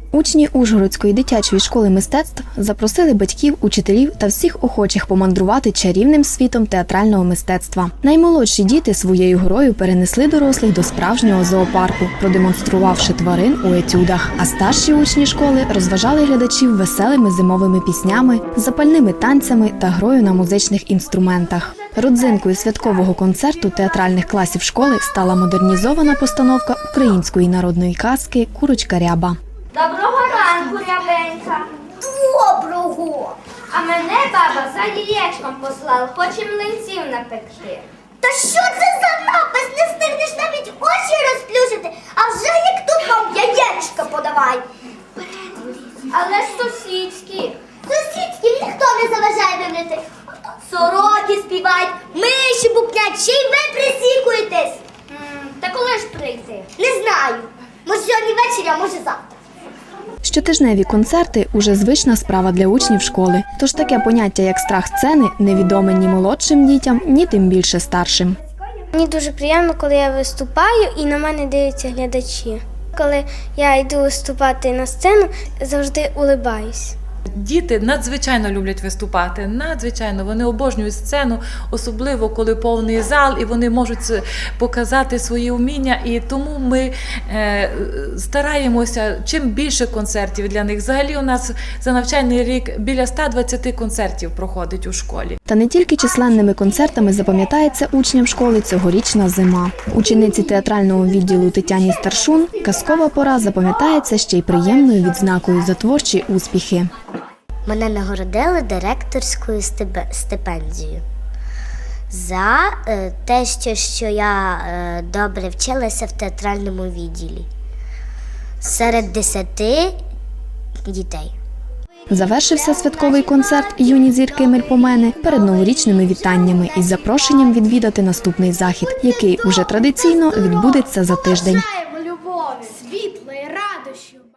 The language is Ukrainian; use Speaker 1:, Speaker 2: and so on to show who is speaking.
Speaker 1: Учні Ужгородської дитячої школи мистецтв запросили батьків, учителів та всіх охочих помандрувати чарівним світом театрального мистецтва. Наймолодші діти своєю грою перенесли дорослих до справжнього зоопарку, продемонструвавши тварин у етюдах. А старші учні школи розважали глядачів веселими зимовими піснями, запальними танцями та грою на музичних інструментах. Родзинкою святкового концерту театральних класів школи стала модернізована постановка української народної казки «Курочка Ряба».
Speaker 2: Доброго ранку, Рябенька.
Speaker 3: Доброго!
Speaker 2: А мене баба за яєчком послала, хоче млинців напекти.
Speaker 3: Та що це за напис? Не встигнеш навіть очі розплющити, а вже як тут вам яєчка подавай.
Speaker 2: Але ж сусідські.
Speaker 3: Сусідським ніхто не заважає вимрити. Сороки співають, миші букнять, ще й ви присікуєтесь.
Speaker 2: Та коли ж прийти?
Speaker 3: Не знаю. Може сьогодні ввечері, а може завтра.
Speaker 1: Щотижневі концерти – уже звична справа для учнів школи. Тож таке поняття, як страх сцени, невідоме ні молодшим дітям, ні тим більше старшим.
Speaker 4: Мені дуже приємно, коли я виступаю і на мене дивляться глядачі. Коли я йду виступати на сцену, завжди улибаюсь.
Speaker 5: Діти надзвичайно люблять виступати, надзвичайно. Вони обожнюють сцену, особливо коли повний зал, і вони можуть показати свої вміння. І тому ми стараємося, чим більше концертів для них. Взагалі у нас за навчальний рік біля 120 концертів проходить у школі.
Speaker 1: Та не тільки численними концертами запам'ятається учням школи цьогорічна зима. Учениці театрального відділу Тетяні Старшун казкова пора запам'ятається ще й приємною відзнакою за творчі успіхи.
Speaker 6: Мене нагородили директорською стипендією за те, що я добре вчилася в театральному відділі серед 10 дітей.
Speaker 1: Завершився святковий концерт «Юні зірки Мельпомени» перед новорічними вітаннями із запрошенням відвідати наступний захід, який уже традиційно відбудеться за тиждень.